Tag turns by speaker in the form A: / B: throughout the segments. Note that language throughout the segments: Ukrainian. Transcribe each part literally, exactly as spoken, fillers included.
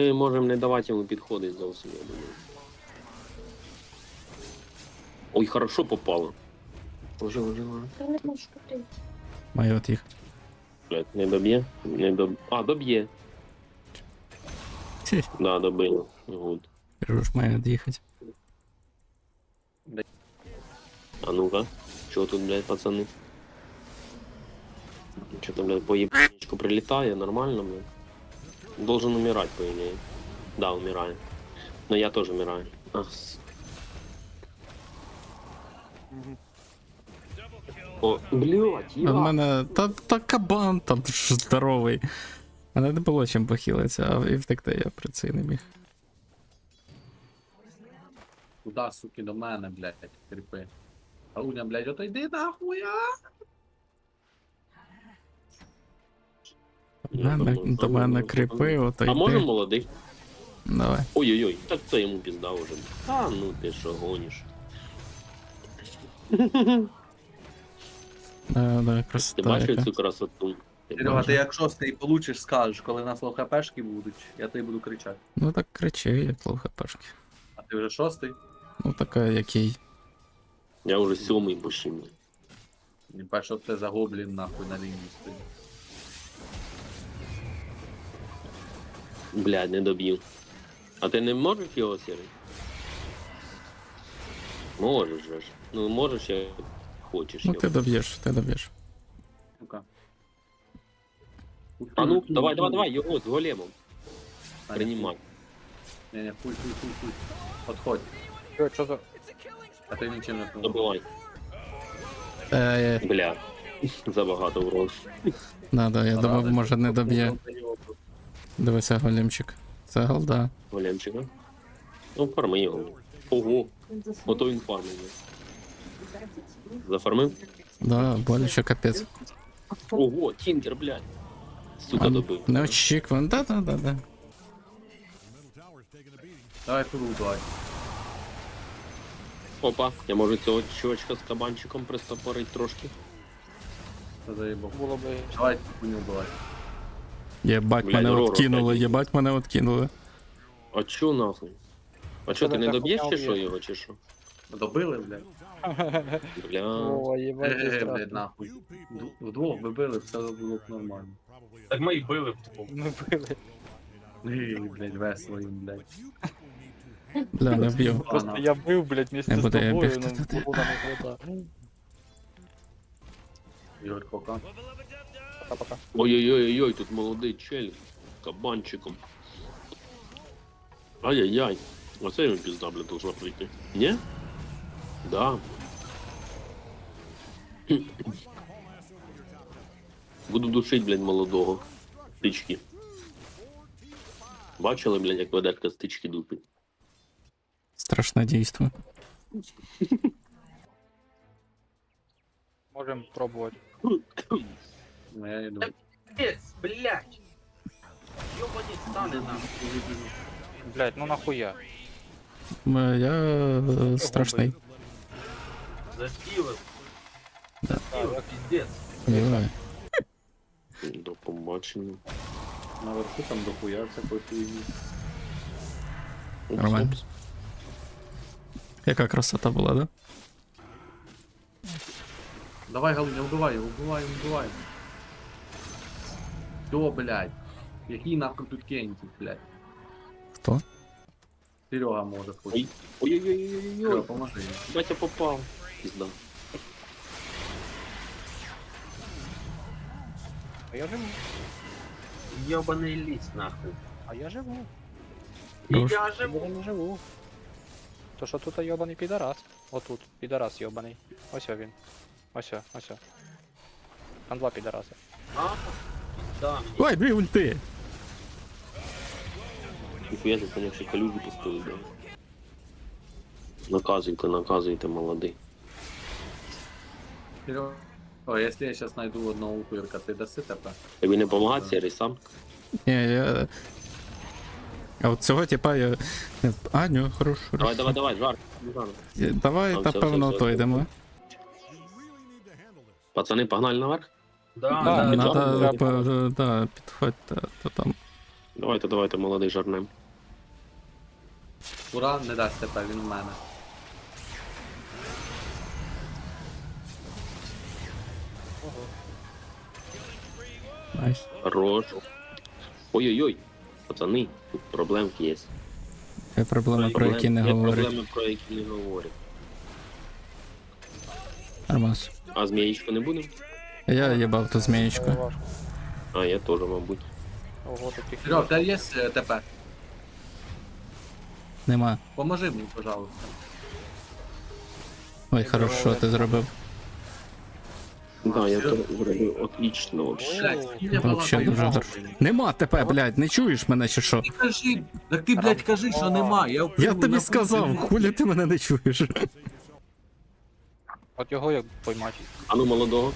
A: Ми можемо не давати йому підходити зовсім, я думаю. Ой, хорошо попало. Уже, уже, уже.
B: Та не можу куди.
C: Маю от їх.
A: Блядь, не доб'є? Не доб... А, доб'є.
C: Хі,
A: Да, добило. Гуд.
C: кажу ж, маю від'їхати.
A: А ну-ка. Чого тут, блядь, пацани? Что-то, блядь, по ебаничку прилетает, нормально, блядь. Должен умирать, по идее. Да, умирает. Но я тоже умираю. А, с- О, блядь,
C: У
A: я...
C: мене та, та кабан там ж здоровий. Мене не було чим похилитися, а і втекти я при цей не міг.
D: Куда, суки, до мене, блядь, кріпи. Ауня, блядь, отойди нахуй, а!
C: До
A: Я
C: мене,
A: думаю,
C: до
A: а,
C: мене
A: ну,
C: кріпи, ото
A: А може
C: йди.
A: молодий?
C: Давай.
A: Ой-ой-ой, так це йому пізда уже. А, ну ти що гониш.
C: Да, да,
A: Ти
C: красота
A: бачив
C: яка.
A: цю красоту? Ти
D: Серега,
A: бачив?
D: ти як шостий получиш, скажеш, коли нас лохапешки будуть, я тобі буду кричати.
C: Ну так кричи, як ловка пешки.
D: А ти вже шостий?
C: Ну така, який.
A: Я вже сьомий почти.
D: Не бачиш, що це за гоблін нахуй на лінії стоїть.
A: Блядь, не доб'ю. А ти не можеш його сірий? Можеш же ж. Ну можеш, як хочеш
C: Ну
A: його.
C: ти доб'єш, ти доб'єш.
D: Ну-ка.
A: А ну, давай, давай, давай, його з големом. Принимай.
D: Не, не, хуй, хуй, хуй, хуй. Подходь.
E: Що, що за...
D: А ти нічим не помог.
A: Добивай.
C: Е,
A: Бля. Забагато урон.
C: надо, я думав, може не доб'є. Дивися, големчик. Це голда.
A: Големчика. Ну, фарми його. Ого,
B: Він заснув.
A: ото він фармив. Зафармив?
C: Да, боляче капець.
A: Ого, тінкер, блядь. Сука, добив.
C: Неочікувано, да, да, да, да.
D: Давай фуру, давай.
A: Опа, я можу цього чувачка з кабанчиком пристопорить трошки.
D: Це заїбав.
E: Було би...
D: Давай хуйню, давай.
C: Єбать,
A: Блядь,
C: мене
A: Роро,
C: откинули,
A: блядь.
C: єбать, мене откинули.
A: А чо нахуй? А чо, ти не
E: Тебе
A: доб'єш чи
E: захуяв
A: що
E: є.
A: його, чи що?
D: Добили, блядь?
A: Бля.
E: О, їбать,
D: Е,
E: страшно.
D: блядь, нахуй. Д- Вдвох би били, все було б нормально.
F: Так ми й били вдвох.
E: Ми били.
D: Ей, блядь, весело їм, блядь.
C: Бля, не вб'ю.
E: Просто я бив, блядь, вместе
C: Не
E: з
C: буду я
E: тобою,
C: бігти
E: ну,
C: туди.
E: було не вода.
D: Ігор, пока.
E: Пока-пока.
A: Ой-ой-ой, тут молодий чель з кабанчиком. Ай-яй-яй. Оце йому пізда, бля, должна прийти. Ні? Да. Буду душить, блядь, молодого. Стички. Бачили, блядь, як ведерка стички дупить?
C: Страшне дійство.
E: Можем пробувати.
D: Ну, я йду.
F: Пец, блядь! Ёбані стане нам.
E: Блядь, ну нахуя?
C: Е, Я е, страшний.
F: Заспівив.
C: Да.
F: Заспівив, піздець.
C: Єбать.
A: До побачення.
D: Наверху там дохуя всякої хуйні.
A: Упс,
C: Нормально.
A: упс.
C: Яка красота була, да?
D: Давай, Галуня, убивай його, убивай, убивай. Все, блядь. Який нахуй тут кентик, блядь.
C: Хто?
D: Серега може
A: Ой.
D: хоче.
A: Ой-ой-ой-ой-ой.
D: Серега, поможи йому.
A: Батя попав. Пізда.
E: А я живу.
F: Ёбаний ліс, нахуй.
E: А я живу.
F: І
C: Хорош.
F: я
E: Я
F: живу.
E: не живу. То що тут йобаний підарас? Отут, підарас йобаний. Ось він. Ось, ось. Там два підараси.
F: А? Да.
C: Ой, дві ульти!
A: Ніхуя ти, конечно, калюжу поставив, да. Наказуйте, наказуйте, молодий.
D: Серега, о, якщо я зараз знайду одного упирка, ти даси тебе?
A: Тобі не помагати, Сірий, сам?
C: Ні, я... А от цього типа я... А, ні, хорош, хорош.
A: Давай, давай, давай, жар. жар.
C: Давай,
A: Там
C: та
A: все,
C: певно,
A: все,
C: то
A: все.
C: йдемо.
A: Пацани, погнали наверх?
F: Да,
E: Да,
F: да,
A: не
F: да.
C: Надо,
E: треба.
C: по- да, підходьте, то там.
A: Давайте, давайте, молодий жарнем.
D: Ура, не дасть тепер, він в мене.
C: Найс.
A: Хорош. Ой-ой-ой. Пацани, тут проблемки є.
C: Є проблеми, про які не
A: Є
C: говорять.
A: проблеми, про які не говорять.
C: Нормас.
A: А змієчку не будемо?
C: Я їбав ту
E: Це
C: змієчку.
E: важко.
A: А, я теж, мабуть.
E: Ого, таких.
D: Серега, в тебе є е, ТП?
C: Нема.
D: Поможи мені, пожалуйста.
C: Ой, хорошо, ти зробив.
A: Да, я
D: Серйозно?
A: то зробив отлично вообще.
D: Блядь, скільки я
C: Вообще
D: балакаю,
C: дуже
D: нахуй.
C: добре. Нема тебе, блядь, не чуєш мене чи що?
D: Ти кажи, так ти, блядь, кажи, що нема. Я,
C: Я
D: впливу
C: тобі
D: на
C: сказав,
D: пульс.
C: хулі ти мене не чуєш.
E: От його як поймати.
A: А ну молодого.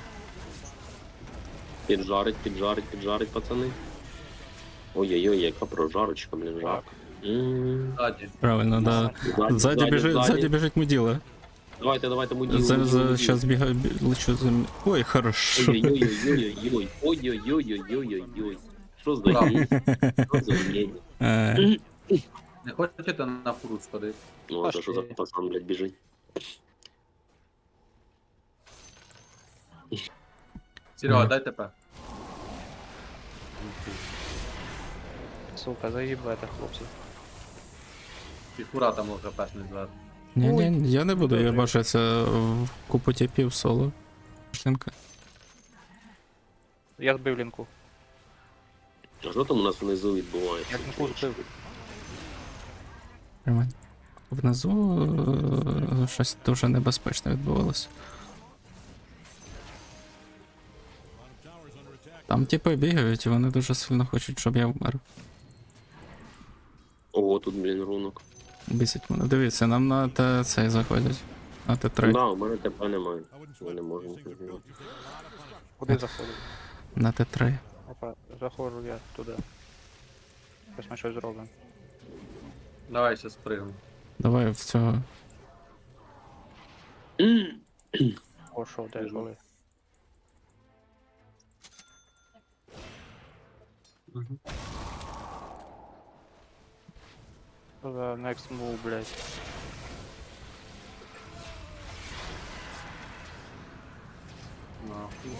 A: Піджарить, піджарить, піджарить, пацани. Ой-ой-ой, яка прожарочка, блін, жарко. М.
D: Ззаді.
C: Правильно, да.
A: Ззаді,
C: Ззаді біжить,
A: ззаді.
C: ззаді біжить муділа.
A: Давайте, давайте, муділу.
C: За,
A: муділу,
C: за,
A: муділу.
C: щас бігаю, бі- лечу за... м- Ой, хорошо.
A: Ой-ой-ой-ой-ой-ой. Ой-ой-ой-ой-ой-ой. Що за
D: Браво.
A: гей? Що за гей?
C: Е,
D: Не хочете на фуру сходити?
A: Ну, а це що за пацан, блядь, біжить?
D: Серега,
C: Ага.
D: дай ТП.
E: Сука, заїбете, хлопці.
D: І фура там може пешний зверху.
C: Ні, ні, я не буду, я бачу це в купу тіпів соло. Шлінка.
E: Я збив лінку.
A: А що там у нас внизу відбувається?
E: Як лінку збив.
C: Тримай. Внизу е, щось дуже небезпечне відбувалося. Там типи бігають і вони дуже сильно хочуть, щоб я вмер.
A: Ого, тут, блін, рунок.
C: Бісить мене. Дивіться, нам на Т цей заходять. На Т три.
A: Да, у мене ТП немає. Ми не можемо.
E: Куди заходив?
C: На Т три.
E: Опа, заходжу я туди. Ось ми щось зробимо.
D: Давай ще спригну.
C: Давай в цього.
E: О, що, де, коли? Що за next move, блядь?
D: Нахуй.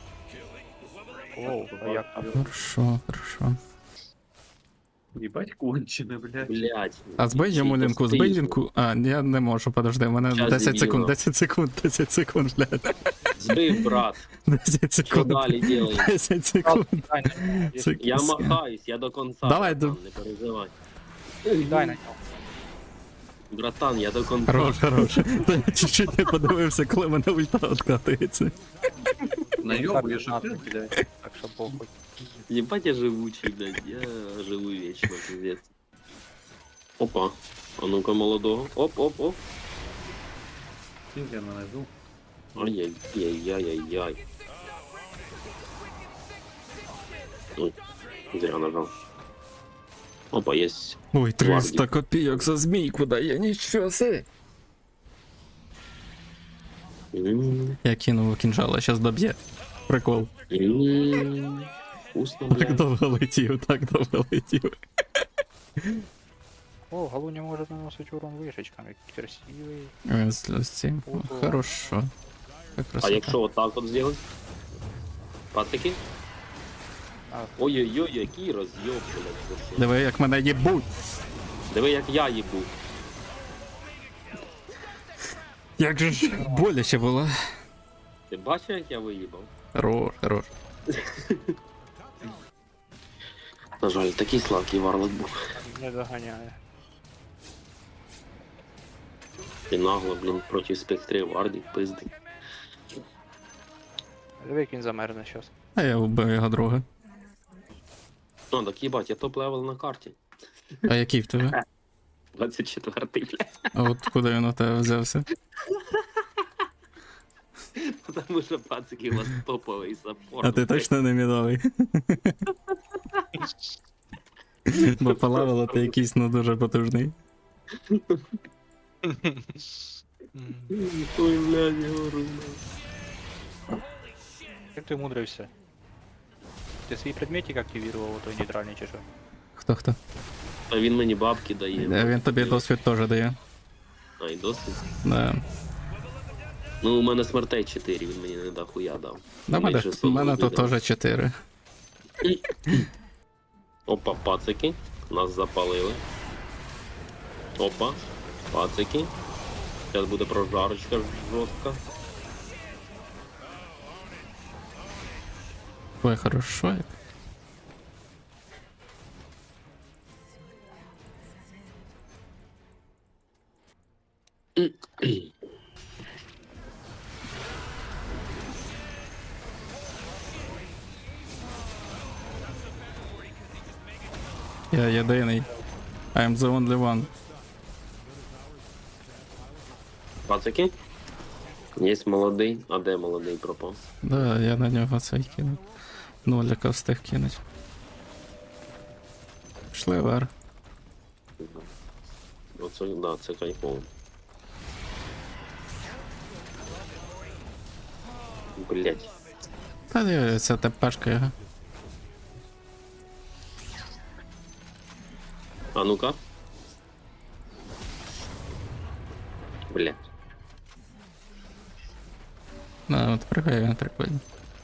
E: Оу, а як там?
C: Хорошо, хорошо.
D: Їбать кончене, блядь.
A: Блять.
C: А збий йому лінку, збий лінку. А, я не можу, подожди, у мене
A: Щас
C: десять секунд,
A: дебіла.
C: десять секунд, десять секунд, блядь.
A: Збив, брат.
C: десять
A: Що
C: секунд.
A: далі делаємо?
C: десять секунд.
E: Дай на нього.
C: Сек-
A: Я махаюсь, я до конца.
C: Давай,
A: братан,
C: до-
A: не переживай.
E: Дай на нього.
A: Братан, я до конца.
C: Хорош, хорош. Та я чуть-чуть не подивився, коли мене ульта откатується.
D: Найобує,
E: Так,
D: що
E: надо.
D: ти, блядь.
E: Так що похуй.
A: Ебать я живучий, блядь. Я живу вечно, пиздец. Опа. А ну-ка молодого. Оп-оп-оп.
D: Скільки я нанизу?
A: Ай-яй-яй-яй-яй. Ой, зря нажал. Опа, есть.
C: Ой, триста копійок за змійку дає, нічого си.
A: М,
C: Я кинув кінжала, щас доб'є. Прикол.
A: м, Вкусно,
C: Так
A: блядь.
C: довго летів, так довго летів.
E: О, Галуня може наносити урон вишечками. Красивий.
C: Він з з цим. О, хорошо. Як
A: А
C: красота.
A: якщо вот так вот сделать? Пацики?
E: А.
A: Ой-ой-ой, який роз'єб, блядь. ви що?
C: Диви, як мене їбуть.
A: Диви, як я їбу.
C: Як же ж боляче було.
A: Ти бачив, як я виїбав?
C: Хорош, хорош.
A: На жаль, такий слабкий варлок був.
E: Не доганяє.
A: І нагло, блін, проти спектрів вардів пиздить.
E: Диви, як він замерзне щас.
C: А я вбив його друга.
A: Ну, так їбать, я топ-левел на карті.
C: А який в тебе?
A: двадцять четвертий, блядь.
C: А от куди він у тебе взявся?
A: Тому що пацики у вас топовий саппорт.
C: А ти точно не мідовий? Бо по левелу ти якийсь ну дуже потужний.
E: М.
A: Ой, блядь, я говорю.
E: Як ти мудрився? Ти свій предметик активував, той нейтральний чи що?
C: Хто хто?
A: А він мені бабки дає.
C: Е, Він тобі досвід теж дає.
A: А, і досвід?
C: Да.
A: Ну, у мене смертей чотири, він мені не дохуя дав.
C: Да, мене,
A: Менше
C: у
A: сотні
C: мене тут
A: буде.
C: теж чотири.
A: Опа, пацики. Нас запалили. Опа, пацики. Зараз буде прожарочка жорстка.
C: Ой, хорошо. як. Я єдиний. I'm the only one.
A: Пацики? Є молодий. А де молодий пропав?
C: Да, я на нього цей кинув. Ноліка встиг кинуть. Пішли вер.
A: Оце, да, це кайфово. Блять.
C: Та ні, це тепешка його.
A: А ну-ка. Блять.
C: Да, от пригає він прикольно.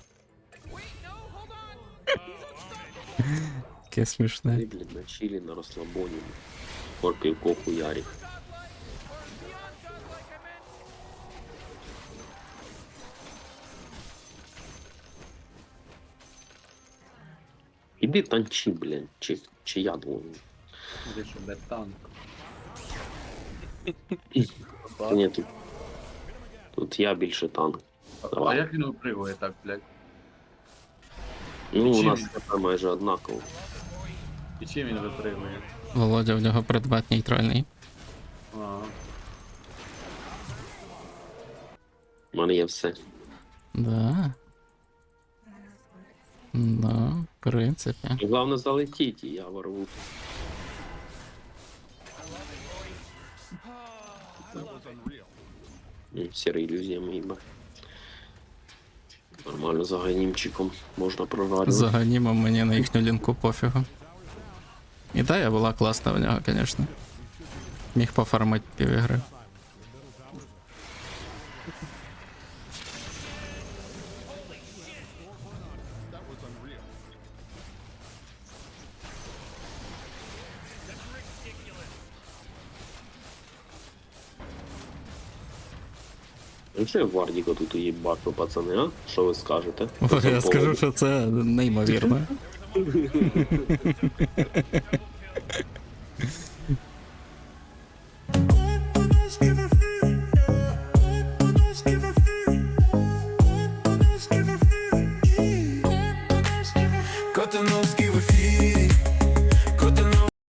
C: Таке смішне.
A: Ти, блядь, на чилі, на розслабоні. Морпівко хуярів. Іди танчи, блядь, чи, чи я должен.
D: Де що, де танк?
A: Ні, тут, тут я більше танк.
D: А, а
A: Давай.
D: як він випригує так, блядь?
A: Ну, у
D: Чим
A: нас
D: він?
A: це майже однаково.
D: І чим він випригує?
C: Володя, в нього предмет нейтральний.
D: А,
A: У мене є все.
C: Да. Да, в принципі.
A: Головне залетіть, і я ворву. М, Сіра ілюзія міба. Нормально за ганімчиком можна прожарювати.
C: За ганімом мені на їхню лінку пофігу. Ідея була класна в нього, звісно. Міг пофармити півігри.
A: Ну що я в Вардіка тут уїбашу, пацани, а? Що ви скажете? По цьому
C: Я скажу,
A: поводу?
C: що це неймовірно.